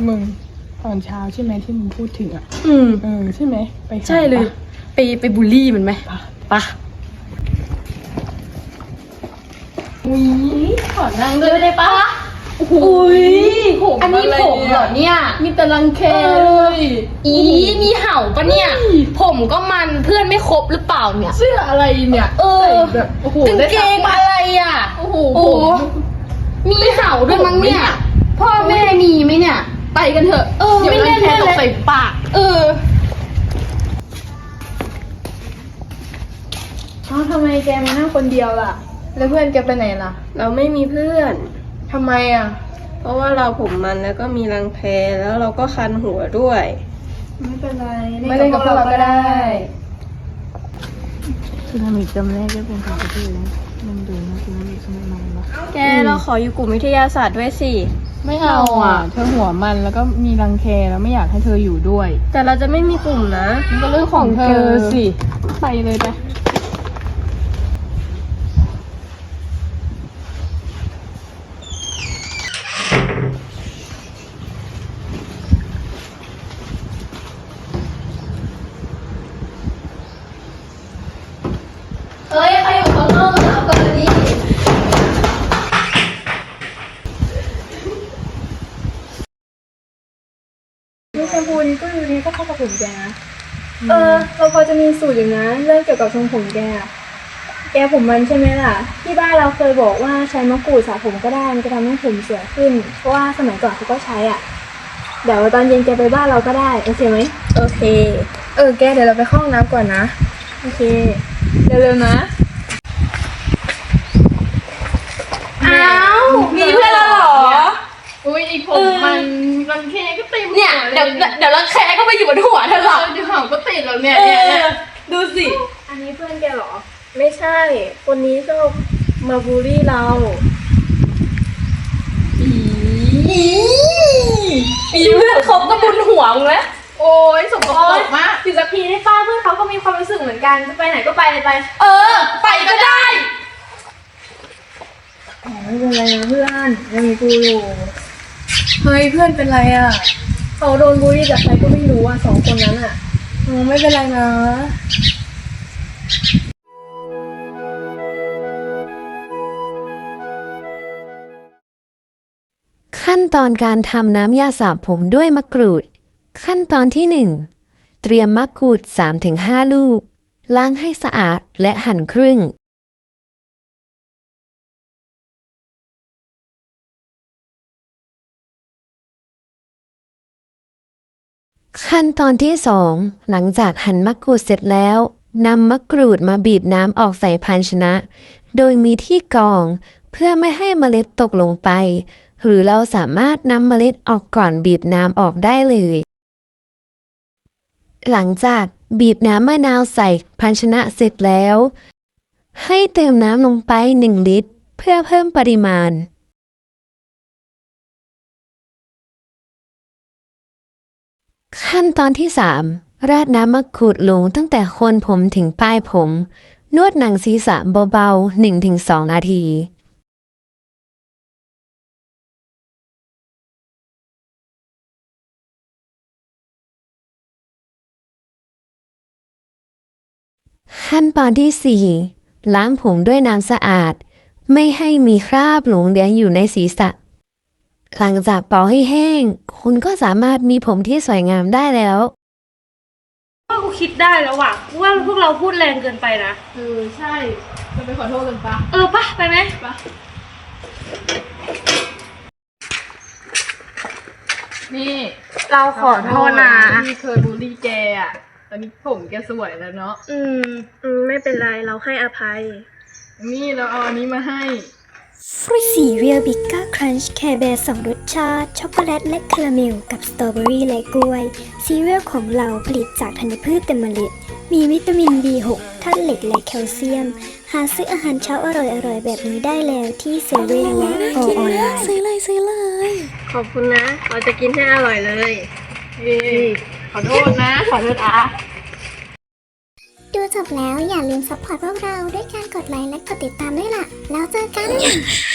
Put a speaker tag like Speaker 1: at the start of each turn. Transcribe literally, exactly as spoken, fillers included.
Speaker 1: มึงตอนเช้าใช่ไหมที่มึงพูดถึงอ่ะ
Speaker 2: อืม
Speaker 1: เออใช่ไหมไป
Speaker 2: ใช่เลยไปไปบูลลี่มันไหมปะ
Speaker 1: อุ้ยขอนั่ง
Speaker 2: เลยได้ปะอุ้ยอันนี้ผมเหรอเนี่ย
Speaker 1: มีแต่รังแคเลย
Speaker 2: อีมีเห่าปะเนี่ยผมก็มันเพื่อนไม่ครบหรือเปล่าเนี่ย
Speaker 1: เสื้ออะไรเนี่ย
Speaker 2: เออ
Speaker 1: แบบโอ้โห
Speaker 2: กางเกงอะไรอ่ะ
Speaker 1: โอ้โห
Speaker 2: มีเห่าด้วยมั้งเนี่ยพ่อแม่มีไหมเนี่ย
Speaker 1: ไปกันเถอะ
Speaker 2: เออไม่แน่เลย
Speaker 1: ตกใส่ปาก
Speaker 2: เออ
Speaker 1: อ้าวทำไมแกมานั่งคนเดียวล่ะแล้วเพื่อนแกไปไหนล่ะ
Speaker 3: เราไม่มีเพื่อน
Speaker 1: ทำไมอ่ะ
Speaker 3: เพราะว่าเราผมมันแล้วก็มีรังแคแล้วเราก็คันหัวด้วย
Speaker 1: ไม่เป็นไรไม่เล่นกับพวกเราก็ได้
Speaker 4: สึนามิจำแรกได้เป็นของประเทศแล้วมันดูนะสึนามิสมัยใหม่ปะ
Speaker 3: แกเราขออยู่กลุ่มวิทยาศาสตร์ด้วยสิ
Speaker 1: ไม่เอาอ่ะเธอหัวมันแล้วก็มีรังแคแล้วไม่อยากให้เธออยู่ด้วย
Speaker 3: แต่เราจะไม่มีกลุ่มนะ
Speaker 1: มันก็เรื่องของเธอสิไปเลยไป
Speaker 2: เฮ้ยใครอยู่ข้างนอกมาเปิดดิ
Speaker 5: ลูกแชมพูนี้ก็ดูนี้ก็เข้ากับผมแกนะเออเราพอจะมีสูตรอยู่นะเรื่องเกี่ยวกับทรงผมแกแกผมมันใช่ไหมล่ะที่บ้านเราเคยบอกว่าใช้มะกรูดสระผมก็ได้มันจะทำให้ผมสวยขึ้นเพราะว่าสมัยก่อนเขาก็ใช้อ่ะเดี๋ยวตอนเย็นแกไปบ้านเราก็ได้โอเคไหม
Speaker 3: โอเค
Speaker 5: เออแกเดี๋ยวเราไปเข้าห้องน้ำก่อนนะโอเคเร็วๆนะ
Speaker 2: อ้าวมีเพื่อนแล้วเหรอ
Speaker 1: อุ้ยไอผมมันรังแคก็เต็ม
Speaker 2: เนี่ยเดี๋ยวเดี๋ยวรังแคก็ไปอยู่บนหัวเธอหรอก
Speaker 1: เดี๋ยวเห่าก็ติดแล้วเนี่ยเนี่ย
Speaker 2: ดูสิ
Speaker 5: อันนี้เพื่อนแกเหรอไม่ใช่คนนี้ชอบมาบูลลี่เรา
Speaker 2: มีเพื่อนเขาก็บนหัวมึงแล้ว
Speaker 1: โอ้ยสมบูรณ์มาก
Speaker 5: อยู่สักทีได้ป้าเพื่อนเขาก็มีความรู้สึกเหมือนกันจะไปไหนก็ไปเลยไป
Speaker 2: เออไปก็ได้
Speaker 5: ไม่เป็นไรนะเพื่อนยังมีกูอยู่เฮ้ยเพื่อนเป็นไรอ่ะเขาโดนบูลลี่จากใครก็ไม่รู้อ่ะสองคนนั้นอ่ะอืมไม่เป็นไรนะ
Speaker 6: ขั้นตอนการทำน้ำยาสระผมด้วยมะกรูดขั้นตอนที่หนึ่งเตรียมมะกรูด สามถึงห้า ลูกล้างให้สะอาดและหั่นครึ่งขั้นตอนที่สองหลังจากหั่นมะกรูดเสร็จแล้วนำมะกรูดมาบีบน้ำออกใส่ภาชนะโดยมีที่กรองเพื่อไม่ให้เมล็ดตกลงไปหรือเราสามารถนำเมล็ดออกก่อนบีบน้ำออกได้เลยหลังจากบีบน้ำมะนาวใส่ภาชนะเสร็จแล้วให้เติมน้ำลงไปหนึ่งลิตรเพื่อเพิ่มปริมาณขั้นตอนที่สามราดน้ำมะกรูดลงตั้งแต่โคนผมถึงปลายผมนวดหนังศีรษะเบาๆ หนึ่งถึงสอง นาทีขั้นตอนที่สี่ล้างผมด้วยน้ำสะอาดไม่ให้มีคราบหลงเหลืออยู่ในศีรษะหลังจากเป่าให้แห้งคุณก็สามารถมีผมที่สวยงามได้แล้ว
Speaker 5: ว่ากูคิดได้แล้วว่ะว่าพวกเราพูดแรงเกินไปนะ
Speaker 1: เออใช่จะไปขอโทษกันปะ
Speaker 5: เออปะไปไหม
Speaker 1: ปะนี่
Speaker 5: เราขอโทษนะ
Speaker 1: ที่เคยบูลลี่แกอ่ะตอนนี้ผมแกสวยแล้วเนาะ
Speaker 5: อืมอืมไม่เป็นไรเราให้อภัย
Speaker 1: นี่เราเอาอันนี้มาให้
Speaker 7: ฟรุตซีเรียลบิกก้าครันช์แคร์แบร์สองรสชาติช็อกโกแลตและคาราเมลกับสตรอเบอรี่และกล้วยซีเรียลของเราผลิตจากธัญพืชเต็มเมล็ดมีวิตามิน บี หก ธาตุเหล็กและแคลเซียมหาซื้ออาหารเช้าอร่อยๆแบบนี้ได้แล้วที่เซเว่นและออนไลน์
Speaker 4: ซื้อเลยซื้อเลย
Speaker 5: ขอบคุณนะเราจะกินให้อร่อยเลย
Speaker 1: ขอโทษนะขอโทษอ่ะ
Speaker 7: ดูจบแล้วอย่าลืมซัพพอร์ตพวกเราด้วยการกดไลค์และกดติดตามด้วยล่ะแล้วเจอกัน